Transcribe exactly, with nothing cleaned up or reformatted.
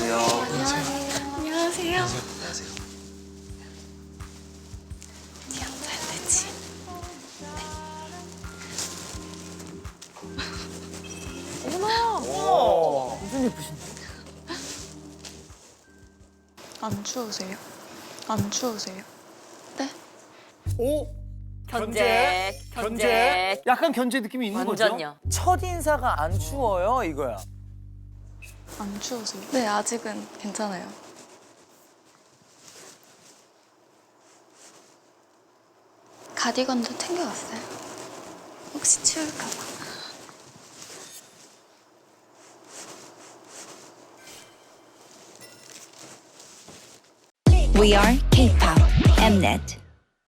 안녕하세요. 안녕하세요. 안녕하세요. 어디 앉아야 되지? 무슨 예쁘신데? 안 추우세요? 안 추우세요? 네? 오? 견제, 견제. 약간 견제 느낌이 있는 완전요. 거죠? 첫 인사가 안 추워요, 이거야. 안 추우세요? 네, 아직은 괜찮아요. 가디건도 챙겨왔어요. 혹시 추울까 봐. We are K-pop Mnet.